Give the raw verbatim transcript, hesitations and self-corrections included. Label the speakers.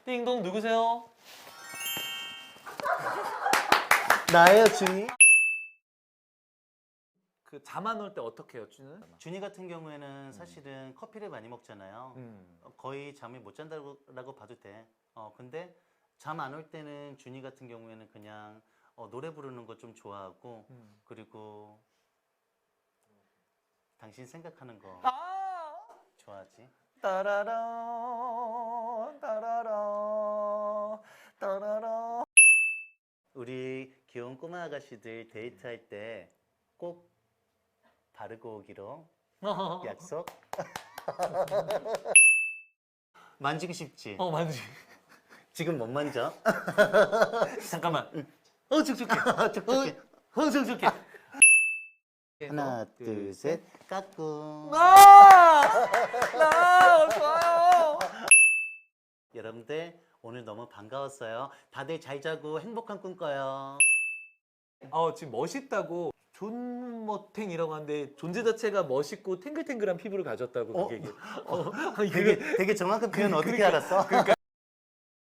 Speaker 1: 띵동 누구세요?
Speaker 2: 나예요, 준이.
Speaker 1: 그 잠 안 올 때 어떻게 해요, 준이는?
Speaker 2: 준이 같은 경우에는 사실은 커피를 많이 먹잖아요.
Speaker 1: 음.
Speaker 2: 어, 거의 잠을 못 잔다고 라고 봐도 돼. 어, 근데 잠 안 올 때는 준이 같은 경우에는 그냥 어, 노래 부르는 거 좀 좋아하고
Speaker 1: 음.
Speaker 2: 그리고 당신 생각하는 거
Speaker 1: 아!
Speaker 2: 좋아하지.
Speaker 1: 따라라 따라라 따라라.
Speaker 2: 우리 귀여운 꼬마 아가씨들 데이트할 때 꼭 바르고 오기로 약속. 만지고 싶지?
Speaker 1: 어 만지.
Speaker 2: 지금 못 만져?
Speaker 1: 잠깐만. 어 촉촉해.
Speaker 2: 촉촉해.
Speaker 1: 어 촉촉해.
Speaker 2: 하나, 둘, 셋, 까꿍.
Speaker 1: 나! 나! 좋아요.
Speaker 2: 여러분들 오늘 너무 반가웠어요. 다들 잘 자고 행복한 꿈 꿔요.
Speaker 1: 어 지금 멋있다고 존머탱이라고 하는데 존재 자체가 멋있고 탱글탱글한 피부를 가졌다고
Speaker 2: 어?
Speaker 1: 그게. 어,
Speaker 2: 되게 되게 정확한 표현 어떻게 알았어?